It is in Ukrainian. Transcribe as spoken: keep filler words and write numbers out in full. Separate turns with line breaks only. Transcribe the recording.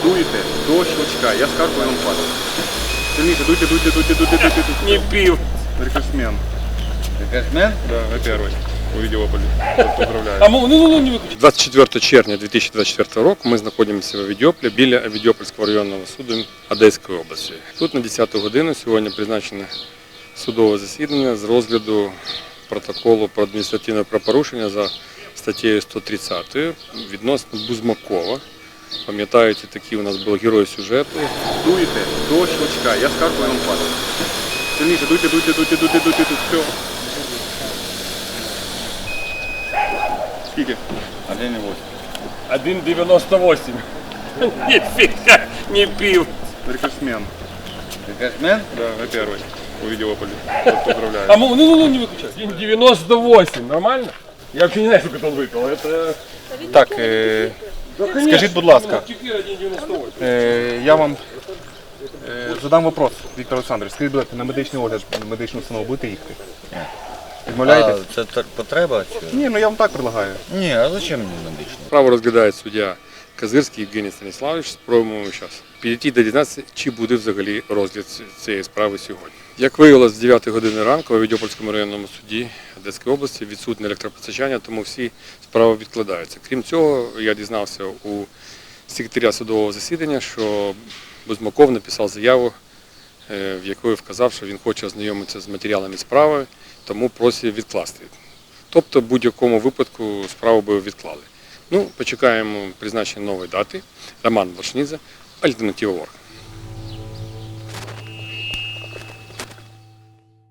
дуєте до щелчка, я скаркую, он падает. Сильніше, дуйте, дуйте, дуйте, дуйте, дуйте.
Не пил.
Рекордсмен.
Рекордсмен?
Да, вы первый. У Відеополі. Поздравляю.
А ну, ну, ну, не выключай.
двадцять четвертого червня дві тисячі двадцять четвертого року ми знаходимося в Відьополі біля Відьопольського районного суду Одеської області. Тут на десяту годину сьогодні призначене судове засідання з розгляду протоколу про адміністративне правопорушення за статтею сто тридцять відносно Бузмакова. Пам'ятаєте, такі у нас були герої сюжету.
Дуєте до щелчка, я скаркую, он падает. Сильніше, дуйте, дуйте, дуйте, дуйте, дуйте, дуйте. Все. Скільки?
один и восемь.
один девяносто восемь. Нифига не пил.
Рекордсмен.
Рекордсмен?
Да, вы первый. У Відеополі.
А
Поздравляю.
ну, ну, ну, не выключай. один девяносто восемь. Нормально? Я вообще не знаю, сколько он выпил. Это...
Так, е,
Да, конечно.
скажіть, будь ласка,
Теперь один девяносто восемь.
е, я вам е, задам вопрос, Віктор Олександрович. Скажіть, будь ласка, на медичний огляд, на медичну установу будете їхати? Відмовляєтесь?
А, це так потреба? Чи?
Ні, ну я вам так предлагаю.
Ні, а зачем мені медичний?
Справу розглядає суддя Козирський Євгеній Станіславович. Спробуємо зараз підійти до дізнатися, чи буде взагалі розгляд цієї справи сьогодні. Як виявилось, з дев'ятої години ранку у Відьопольському районному суді Одеської області відсутнє електропостачання, тому всі справи відкладаються. Крім цього, я дізнався у секретаря судового засідання, що Бузмаков написав заяву, в якої вказав, що він хоче ознайомитися з матеріалами справи, тому просить відкласти. Тобто в будь-якому випадку справу би відклали. Ну, почекаємо призначення нової дати. Роман Блашнідзе, Альтернатива Орг.